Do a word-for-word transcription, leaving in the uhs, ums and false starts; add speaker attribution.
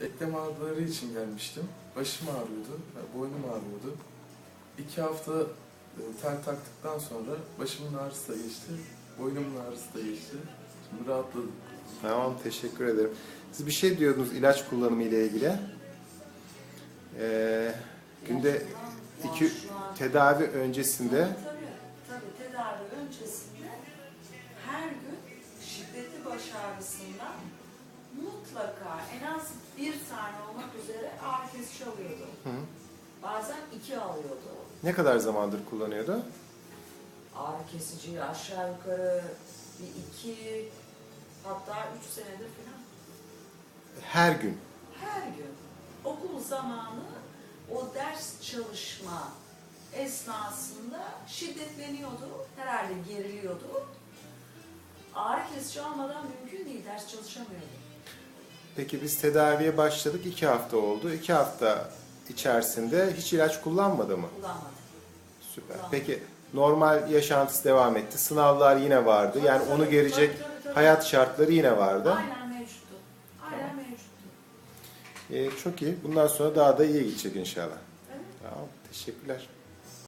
Speaker 1: Eklem ağrıları için gelmiştim. Başım ağrıyordu, boynum ağrıyordu. İki hafta e, tel taktıktan sonra başımın ağrısı da geçti, boynumun ağrısı da geçti. Şimdi rahatladım.
Speaker 2: Tamam, teşekkür ederim. Siz bir şey diyordunuz ilaç kullanımı ile ilgili. Ee, günde iki tedavi öncesinde.
Speaker 3: Tabii, tabii tedavi öncesinde her gün şiddetli baş ağrısından mutlaka en az bir tane olmak üzere ağrı kesici alıyordu.
Speaker 2: Hı.
Speaker 3: Bazen iki alıyordu.
Speaker 2: Ne kadar zamandır kullanıyordu?
Speaker 3: Ağrı kesici aşağı yukarı bir iki hatta üç senedir falan.
Speaker 2: Her gün.
Speaker 3: Her gün okul zamanı o ders çalışma esnasında şiddetleniyordu. Herhalde geriliyordu. Ağrı kesici almadan mümkün değil. Ders çalışamıyordu.
Speaker 2: Peki biz tedaviye başladık. iki hafta oldu. iki hafta içerisinde hiç ilaç kullanmadı mı?
Speaker 3: Kullanmadı.
Speaker 2: Süper.
Speaker 3: Kullanmadı.
Speaker 2: Peki normal yaşantısı devam etti. Sınavlar yine vardı.
Speaker 3: Tabii,
Speaker 2: Yani
Speaker 3: tabii,
Speaker 2: onu gelecek
Speaker 3: tabii, tabii, tabii.
Speaker 2: hayat şartları yine vardı.
Speaker 3: Aynen mevcuttu. Aynen mevcuttu.
Speaker 2: Ee, çok iyi. Bundan sonra daha da iyi gidecek inşallah.
Speaker 3: Evet.
Speaker 2: Tamam. Teşekkürler.